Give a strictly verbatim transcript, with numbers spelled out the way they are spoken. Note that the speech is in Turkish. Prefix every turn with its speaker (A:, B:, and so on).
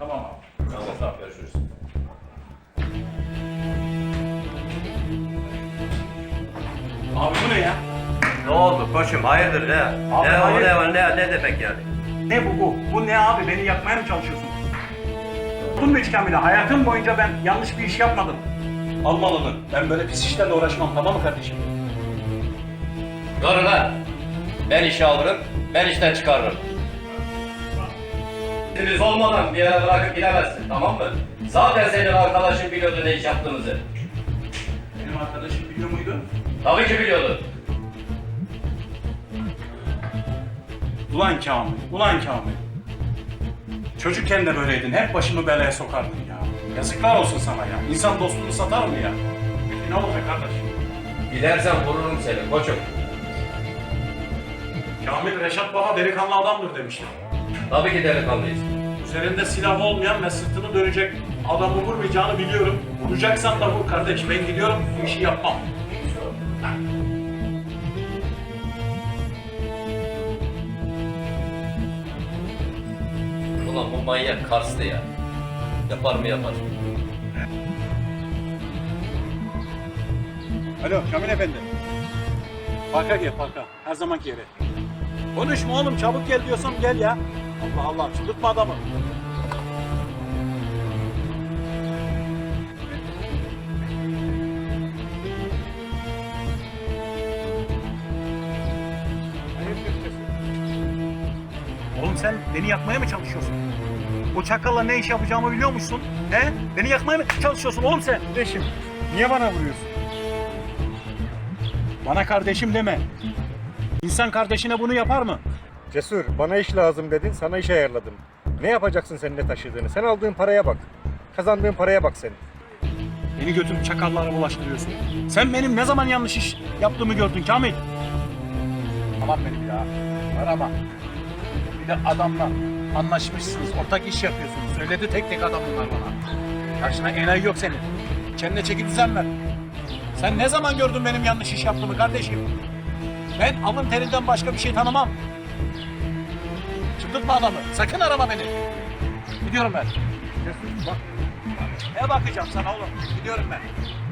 A: Tamam abi.
B: Tamam,
A: Tamam.
B: görüşürüz.
A: Abi bu ne ya?
B: Ne oldu koçum, hayırdır ne?
A: Abi,
B: ne
A: hayır.
B: o ne, ne, ne demek yani?
A: Ne bu bu? Bu ne abi? Beni yakmaya mı çalışıyorsun? Tuttun mu hiç Kamil'e? Hayatım boyunca ben yanlış bir iş yapmadım. Al malını. Ben böyle pis işlerle uğraşmam, tamam mı kardeşim?
B: Doğru lan. Ben işe alırım, ben işten çıkarırım. Biz olmadan bir yere bırakıp gidemezsin, tamam mı? Zaten senin arkadaşın biliyordu ne iş yaptığımızı.
A: Benim arkadaşım biliyor muydu?
B: Tabii ki biliyordu.
A: Ulan Kamil, ulan Kamil. Çocukken de böyleydin, hep başımı belaya sokardın ya. Yazıklar olsun sana ya. İnsan dostluğunu satar mı ya? Peki ne olacak kardeş?
B: Gidersen vururum seni koçum.
A: Kamil Reşat Baba delikanlı adamdır demişler.
B: Tabii ki delikanlıyız.
A: Üzerinde silah olmayan ve sırtını dönecek adamı vurmayacağını biliyorum. Vuracaksan da vur kardeş, ben gidiyorum, bu işi yapmam.
B: Ulan bu manyak Kars'tı ya. Yapar mı yapar.
A: Alo Kamil Efendi. Parka gel parka. Her zamanki yere. Konuşma oğlum, çabuk gel diyorsam gel ya. Allah Allah, çıldırtma adamı. Oğlum sen beni yakmaya mı çalışıyorsun? O çakalla ne iş yapacağımı biliyor musun? He? Beni yakmaya mı çalışıyorsun oğlum sen?
C: Kardeşim, niye bana vuruyorsun?
A: Bana kardeşim deme. İnsan kardeşine bunu yapar mı?
C: Cesur, bana iş lazım dedin, sana iş ayarladım. Ne yapacaksın sen ne taşıdığını? Sen aldığın paraya bak. Kazandığın paraya bak senin.
A: Beni götürüp çakallara bulaştırıyorsun. Sen benim ne zaman yanlış iş yaptığımı gördün Kamil. Tamam benim ya. Arama. Bir de adamla anlaşmışsınız, ortak iş yapıyorsunuz. Söyledi tek tek adam bunlar bana. Karşına enayi yok senin. Kendine çeki düzen ver. Sen ne zaman gördün benim yanlış iş yaptığımı kardeşim? Ben alın terinden başka bir şey tanımam. Çıldırtma adamı. Sakın arama beni. Gidiyorum ben.
C: Cesur, bak.
A: Ne bakacağım sana oğlum? Gidiyorum ben.